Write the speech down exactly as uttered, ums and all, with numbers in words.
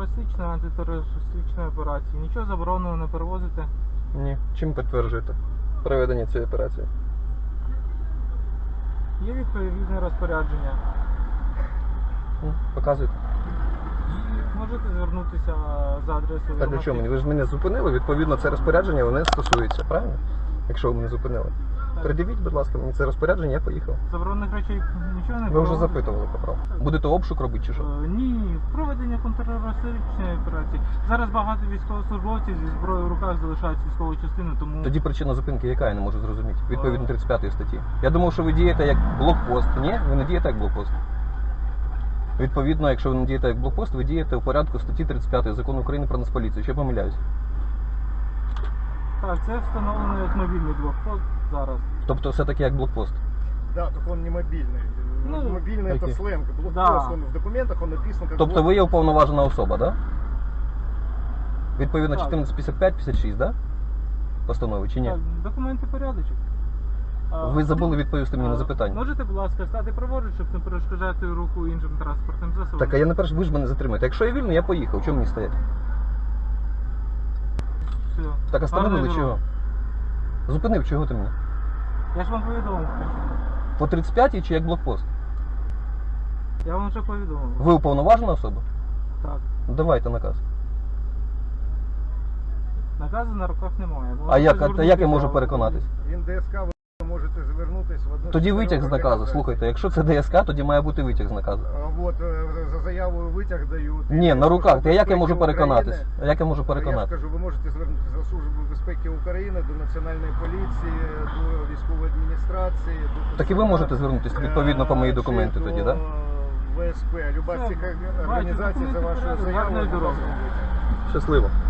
терористичної, антитерористичної операції. Нічого забороненого не перевозите. Ні. Чим підтверджуєте проведення цієї операції? Є відповідне розпорядження. Ну, показуйте. Можете звернутися за адресою. Так для чого мені? Ви ж мене зупинили, відповідно, це розпорядження мене стосується, правильно? Якщо ви мене зупинили. Так. Придивіть, будь ласка, мені це розпорядження, я поїхав. Заборонених речей нічого не Ви вже проводите? запитували, капрал. Будете обшук робити чи що? Е, Ні, проведення контртерористичної операції. Зараз багато військовослужбовців зі зброєю в руках залишають військову частину, тому... Тоді причина зупинки яка, я не можу зрозуміти. Відповідно тридцять п'ятої статті. Я думав, що ви дієте як блокпост. Ні? Ви не дієте як блокпост. Відповідно, якщо ви не дієте як блокпост, ви дієте у порядку статті тридцять п'ятої Закону України про Нацполіцію. Що я помиляюсь? Так, це встановлено як мобільний блокпост зараз. Тобто все-таки як блокпост. Да, только он не мобильный. Ну, мобильный окей. это сленг. Блокпост, Да. он в документах он написан как Тобто ви є уповноважена особа, так? Да? Відповідно Так. чотирнадцять п'ятдесят п'ять п'ятдесят шість, так? Да? Постанови чи ні? Так, документи порядочок. А, Ви забули відповісти мені на а, запитання. Можете, будь ласка, стати праворуч, щоб не перешкоджати руху іншим транспортним засобам? Так, а я не перш, ви ж мене затримаєте. Якщо я вільний, я поїхав. Чому мені стоять? Все. Так, остановили Гарної чого? дороги. Зупинив, чого ти мене? Я ж вам повідомив. По тридцять п'ятій чи як блокпост? Я вам вже повідомив. Ви уповноважена особа? Так. Ну, давайте наказ. Наказу на руках немає. А Можете як, а звернутися як я можу в- переконатись? Він ДСК, ви можете звернутись в одну. Тоді з витяг з чотирьох наказу. організацій. Слухайте, якщо це ДСК, тоді має бути витяг з наказу. А, Вот, е, за заявою витяг дають. Ні, на руках. Та як я можу Безпеки переконатись? України. А як я можу Я переконатись? скажу, ви можете звернутися до Служби безпеки України, до Національної поліції, до військової адміністрації. До Так і ви можете звернутися відповідно по мої документи Чи тоді, до так? ВСП. Люба з Все, цих бачите, організацій за документи вашою порядок, заявою. гарної дороги. Щасливо.